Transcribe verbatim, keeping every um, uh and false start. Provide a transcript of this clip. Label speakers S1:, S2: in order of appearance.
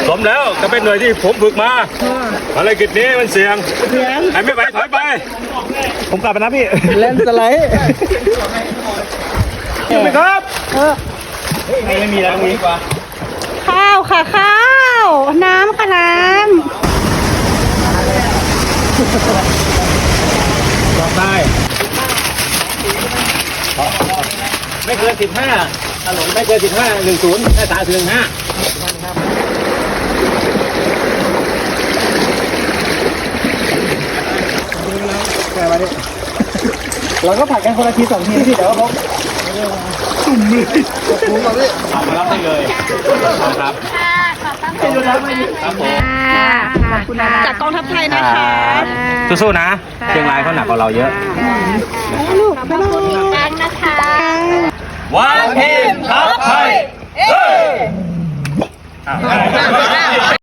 S1: สมแล้วก็เป็นหน่วยที่ผมฝึกมาภารกิจนี้มันเสี่ยงใครไม่ไปถอยไปผมกลับไปนะพี่
S2: เล่นสไลด์
S1: ขึ้นไปครับไม่ไม่มีแล้วตรงนี้กว่า
S3: ข้าวค่ะข้าว น้ำค่ะน้ำ
S1: ต่อไปไม่เกินสิบห้าถนนไม่เกินสิบห้าหนึ่งศูนย์ห้าสามถึงห้า
S2: แกมาดิเราก็ผัดกันคนละทีสองทีที่เดี๋ยวเขาจุ่มมือจุ่มก่อนพี่
S1: เอามารับได้เลยครับครับผม
S3: จากกองทัพไทยนะคะ
S1: สู้ๆนะเชียงรายเขาหนักกว่าเราเยอะ
S3: ลูกไปลูกกันนะคะ
S1: วันทีมทัพไทยเฮ้ย